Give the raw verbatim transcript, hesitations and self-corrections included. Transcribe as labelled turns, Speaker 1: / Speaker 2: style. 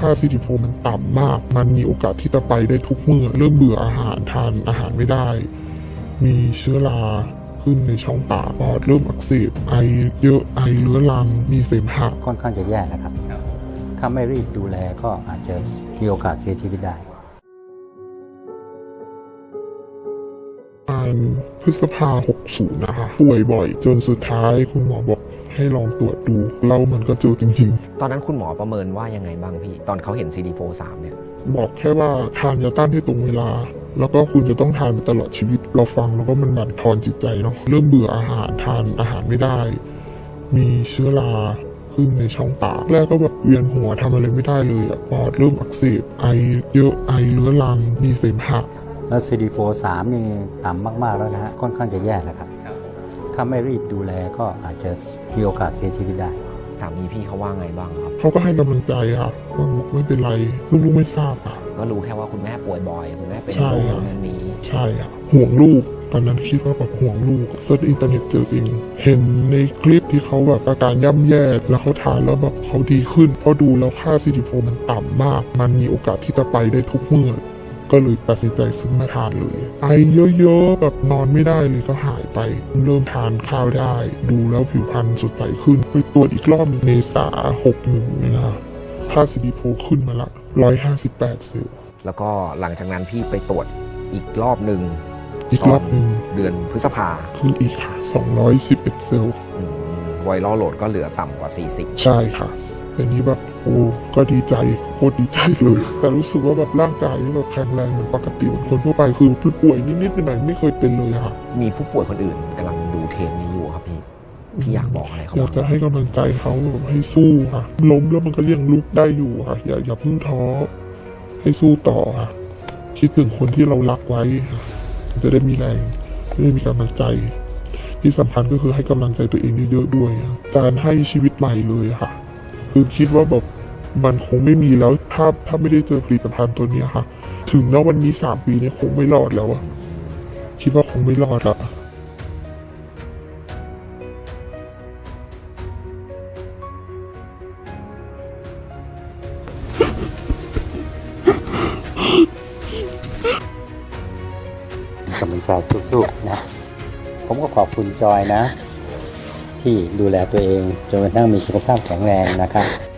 Speaker 1: ค่าซีดีโฟมันต่ำมากมันมีโอกาสที่จะไปได้ทุกเมื่อเริ่มเบื่ออาหารทานอาหารไม่ได้มีเชื้อราขึ้นในช่องปากปอดเริ่มอักเสบไอเยอะไอเรื้อรังมีเสมหะ
Speaker 2: ค่อนข้างจะแย่นะครับถ้าไม่รีบดูแลก็อาจจะมีโอกาสเสียชีวิตได้
Speaker 1: พฤษภาหกสิบนะคะป่วยบ่อยจนสุดท้ายคุณหมอบอกให้ลองตรวจดูแล้วมันก็เจอจริง
Speaker 3: ๆตอนนั้นคุณหมอประเมินว่ายังไงบ้างพี่ตอนเขาเห็น ซี ดี โฟร์ สาม เนี่ย
Speaker 1: บอกแค่ว่าทานยาต้านให้ตรงเวลาแล้วก็คุณจะต้องทานไปตลอดชีวิตเราฟังแล้วก็มันบั่นทอนจิตใจเนาะเริ่มเบื่ออาหารทานอาหารไม่ได้มีเชื้อราขึ้นในช่องปากแรกก็แบบเวียนหัวทำอะไรไม่ได้เลยอะปอดเริ่มอักเสบไอเยอะไอเรื้อรังมีเสมหะ
Speaker 2: แล้ว ซี ดี โฟร์ สาม นี่ต่ำมากๆแล้วนะฮะค่อนข้างจะแย่นะครับถ้าไม่รีบดูแลก็อาจจะมีโอกาสเสียชีวิตได้
Speaker 3: สามีพี่เขาว่าไงบ้างครับ
Speaker 1: เขาก็ให้กำลังใจค่ะว่าไม่เป็นไรลูกๆไม่ทราบค่ะ
Speaker 3: ก็รู้แค่ว่าคุณแม่ป่วยบ่อยคุณแม่เป็นโรคนั้นนี้
Speaker 1: ใช่ค่ะห่วงลูกตอนนั้นคิดว่าแบบห่วงลูกเซิร์ชอินเทอร์เน็ตเจอเองเห็นในคลิปที่เขาแบบอาการย่ำแย่แล้วเขาทานแล้วแบบเขาดีขึ้นเพราะดูแล้วค่า ซี ดี โฟร์ มันต่ำมากมันมีโอกาสที่จะไปได้ทุกเมื่อก็เลยตัดสินใจซื้อมาทานเลยไอเยอะๆแบบนอนไม่ได้เลยก็หายไปเริ่มทานข้าวได้ดูแล้วผิวพรรณสดใสขึ้นไปตรวจอีกรอบเมษาหกหนึ่งนะคะค่า ซี ดี โฟร์ ขึ้นมาละร้อยห้าสิบแปดเซลล์
Speaker 3: แล้วก็หลังจากนั้นพี่ไปตรวจอีกรอบหนึ่ง
Speaker 1: อีกรอบหนึ่ง
Speaker 3: เดือนพฤษภา
Speaker 1: ขึ้นอีกค่ะสองร้อยสิบเอ็ดเซลล์
Speaker 3: ไวรัลโหลดก็เหลือต่ำกว่าสี่สิบ
Speaker 1: ใช่ค่ะอันนี้แบบโอ้ก็ดีใจโคตรดีใจเลยแต่รู้สึกว่าแบบร่างกายแบบแข็งแรงเหมือนปกติเหมือนคนทั่วไปคือผู้ป่วยนิดๆหน่อยๆไม่เคยเป็นเลยค่ะ
Speaker 3: มีผู้ป่วยคนอื่นกำลังดูเทปนี้อยู่ครับพี่พี่อยากบอกอะไรเขา
Speaker 1: อยากจะให้กำลังใจเขาแบบให้สู้ค่ะล้มแล้วมันก็ยังลุกได้อยู่ค่ะอย่าอย่าเพิ่งท้อให้สู้ต่อค่ะคิดถึงคนที่เรารักไว้ค่ะจะได้มีแรงจะได้มีกำลังใจที่สำคัญก็คือให้กำลังใจตัวเองเยอะๆด้วยการให้ชีวิตใหม่เลยค่ะคือคิดว่าแบบมันคงไม่มีแล้วถ้าถ้าไม่ได้เจอผลิตภัณฑ์ตัวนี้ค่ะถึงณวันนี้สามปีนี้คงไม่รอดแล้วอะคิดว่าคงไม่รอดละ
Speaker 2: กำลังใจสู้ๆนะผมก็ขอบคุณจอยนะที่ดูแลตัวเองจนกระทั่งมีสุขภาพแข็งแรงนะครับ